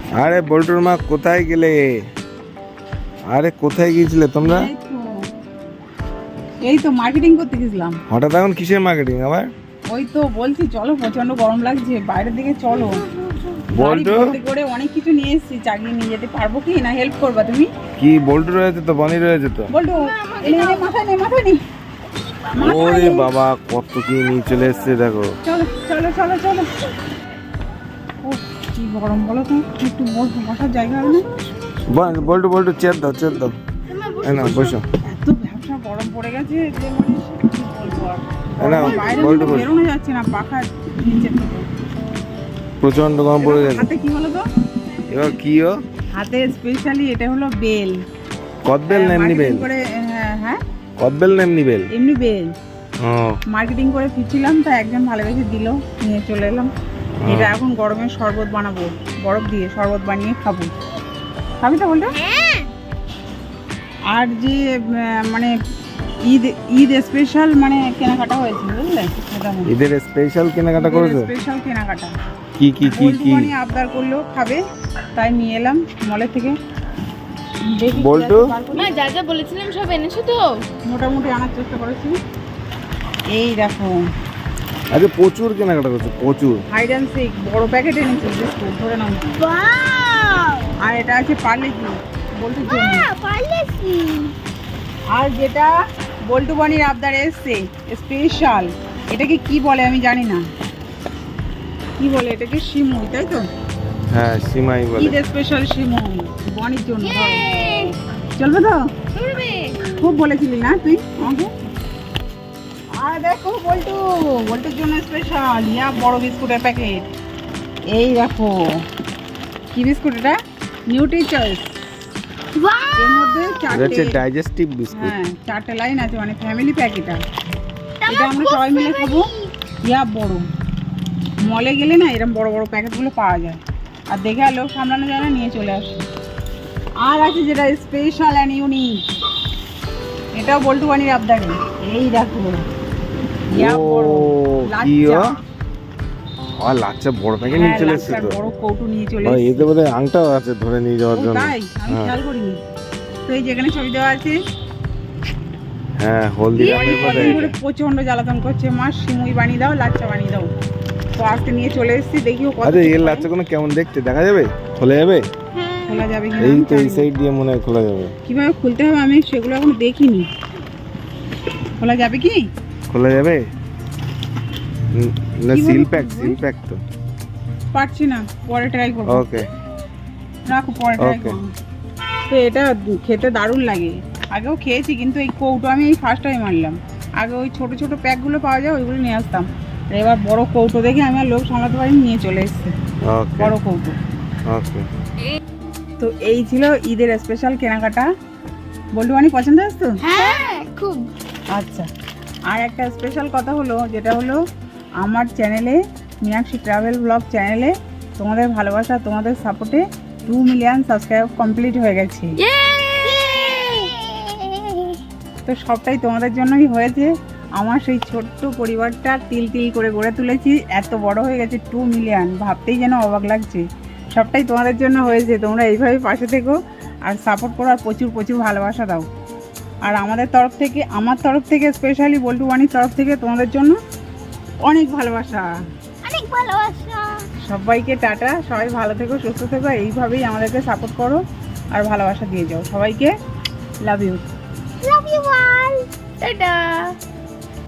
আরে বল্টুর মা কোথায় গেলে? আরে কোথায় গিয়েছিলে তোমরা? এই তো মার্কেটিং করতে গেছিলাম। হঠাৎ এখন কিসের মার্কেটিং আবার? ওই তো বলছি চলো, প্রচন্ড গরম লাগছে, বাইরের দিকে চলো। বল্টু করে অনেক কিছু নিয়ে এসেছি, চাগিয়ে নিয়ে যেতে পারবো কি না? হেল্প করবা তুমি? কি বল্টু রয়েছে তো, বনি রয়েছে তো। বল্টু মাথায় নেই, মাথায় নেই। ওরে বাবা কত কি নিয়ে চলে এসছে দেখো। চলো চলো চলো চলো। ও কি গরম বলো তো, একটু বসার জায়গা হবে না? বল্টু বল্টু চেয়ার দাও, চেয়ার দাও। না বসো। এত ব্যবসা গরম পড়ে গেছে যে মানে কি বলবো আর। না বাইরে বল্টু বেরোনো যাচ্ছে না, পাখার নিচে থেকে। প্রচন্ড গরম পড়ে গেছে। হাতে কি হলো তো? এবার কি ও হাতে স্পেশালি এটা হলো বেল। কদবেল না এমনি বেল? করে হ্যাঁ কদবেল না এমনি বেল? এমনি বেল। ও মার্কেটিং করে ফিরছিলাম, তা একজন ভালোবেসে দিল, নিয়ে চলে এলাম। এটা এখন গরমের শরবত বানাবো, বরফ দিয়ে শরবত বানিয়ে খাবো। খাবি তো বলতো? আর যে মানে ঈদ স্পেশাল মানে কেনাকাটা হয়েছে বুঝলে? ঈদের স্পেশাল কেনাকাটা করেছো? স্পেশাল কেনাকাটা কি কি কি কি? বল্টু আবদার করলো খাবে, তাই নিয়ে এলাম মলের থেকে। দেখি বল্টু মা যা যা বলেছিলাম সব এনেছো তো? মোটামুটি আনার চেষ্টা করেছি। এই দেখো আচ্ছা প্রচুর কেনাকাটা করছো, প্রচুর। হাইড অ্যান্ড সিক বড় প্যাকেট এনেছি বিস্কুট, ধরে নাও। আর এটা আছে পার্লেজি বল্টুর জন্য। আর যেটা বল্টু বানির আবদার এসছে স্পেশাল, এটাকে কি বলে আমি জানি না, কি বলে এটাকে? শিমুই, তাই তো? হ্যাঁ সিমাই বলে। ঈদ স্পেশাল শিমুই বনির জন্য। চলবে তো? খুব বলেছিলি না তুই আমাকে। আর দেখো বল্টুর জন্য স্পেশাল ইয়া বড় বিস্কুটের প্যাকেট। এই দেখো কি বিস্কুট এটা? Nutri choice. এর মধ্যে চারটে ডাইজেস্টিভ বিস্কুট। হ্যাঁ 4টে লাইন আছে, মানে ফ্যামিলি প্যাক এটা। এটা আমরা সবাই মিলে খাবো। ইয়া বড়, মলে গেলে না এরকম বড় বড় প্যাকেটগুলো পাওয়া যায়, আর দেখে আর লোক সামলানো যায় না, নিয়ে চলে আসে। আর আছে যেটা স্পেশাল অ্যান্ড ইউনিক, এটাও বল্টু বানির আবদারে। এই দেখো ইয়া বড় লাচ্চা। আর লাচ্চা বড় প্যাকেট নিয়ে চলে এসেছে তো। বড় কৌটো নিয়ে চলে ভাই এসেছে। এতে বোধহয় আংটাও আছে ধরে নিয়ে যাওয়ার জন্য। তাই আমি খেয়াল করিনি তো। এই যেখানে ছবি দেওয়া আছে, হ্যাঁ হলদি করে প্রচন্ড জ্বালাতন করছে, মা সিমুই বানিয়ে দাও, লাচ্চা বানিয়ে দাও। তো আজকে নিয়ে চলে এসেছি, দেখিও কত। আরে এর লাচ্চা কোনো কেমন দেখতে দেখা যাবে? খোলা যাবে? খোলা যাবে কি? এই তো এই সাইড দিয়ে মনে হয় খোলা যাবে। কিভাবে খুলতে হবে আমি সেগুলো এখন দেখিনি। খোলা যাবে কি? খোলা যাবে না? সিল প্যাক তো। পারছি না, পরে ট্রাই করবো। ওকে রাখো, পরে ট্রাই Okay. করবো। তো এটা খেতে দারুণ লাগে, আগেও খেয়েছি, কিন্তু এই কৌটো আমি এই ফার্স্ট টাইম আনলাম। আগে ওই ছোট ছোট প্যাকগুলো পাওয়া যায়, ওইগুলো নিয়ে আসতাম। আর এবার বড় কৌটো দেখে আমি আর লোক সামলাতে পারিনি, নিয়ে চলে এসেছে ওকে বড় কৌটো। ওকে। তো এই ছিল ঈদের স্পেশাল কেনাকাটা। বল্টু বানি পছন্দ আছে তো? হ্যাঁ খুব। আচ্ছা, আর একটা স্পেশাল কথা হলো, যেটা হলো আমার চ্যানেলে, মীনাক্ষী ট্রাভেল ব্লগ চ্যানেলে তোমাদের ভালোবাসা, তোমাদের সাপোর্টে 2 মিলিয়ন সাবস্ক্রাইব কমপ্লিট হয়ে গেছে। তো সবটাই তোমাদের জন্যই হয়েছে। আমার সেই ছোট্ট পরিবারটা তিল তিল করে গড়ে তুলেছি, এত বড় হয়ে গেছে 2 মিলিয়ন, ভাবতেই যেন অবাক লাগছে। সবটাই তোমাদের জন্য হয়েছে। তোমরা এইভাবে পাশে থেকো আর সাপোর্ট করো, আর প্রচুর প্রচুর ভালোবাসা দাও। আর আমাদের তরফ থেকে, আমার তরফ থেকে স্পেশালি বল্টু বানির তরফ থেকে তোমাদের জন্য অনেক ভালোবাসা। সবাইকে টাটা, সবাই ভালো থেকো, সুস্থ থেকো, এইভাবেই আমাদেরকে সাপোর্ট করো আর ভালোবাসা দিয়ে যাও। সবাইকে লাভ ইউ। টাটা।